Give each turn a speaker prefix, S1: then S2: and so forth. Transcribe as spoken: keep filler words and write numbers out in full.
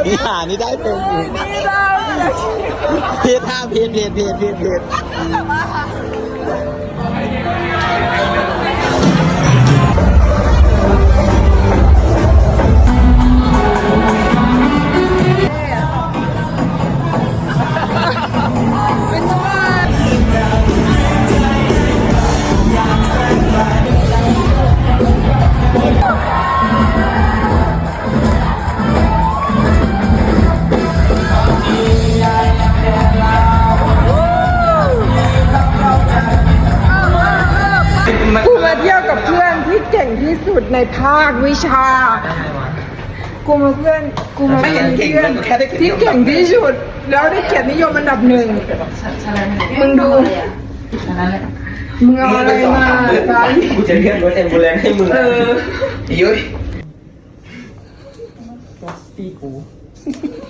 S1: นี่หานี่ได้เป็นอีก
S2: นี่ได้
S1: เพจห้าเพจเพจเพจเพจเพจ
S2: กูมาเที่ยวกับเพื่อนที่เก่งที่สุดในภาควิชา กูมาเพื่อนกูมาเป็นเพื่อนที่เก่งที่สุด แล้วได้เกียรตินิยมอันดับหนึ่งมึงดูมึงเอาอะไรมาฟัง
S1: กูจะเรียกรถแอมบูเลนซ์ให้มึง
S2: เออ
S1: ยุ้ย
S2: ตีกู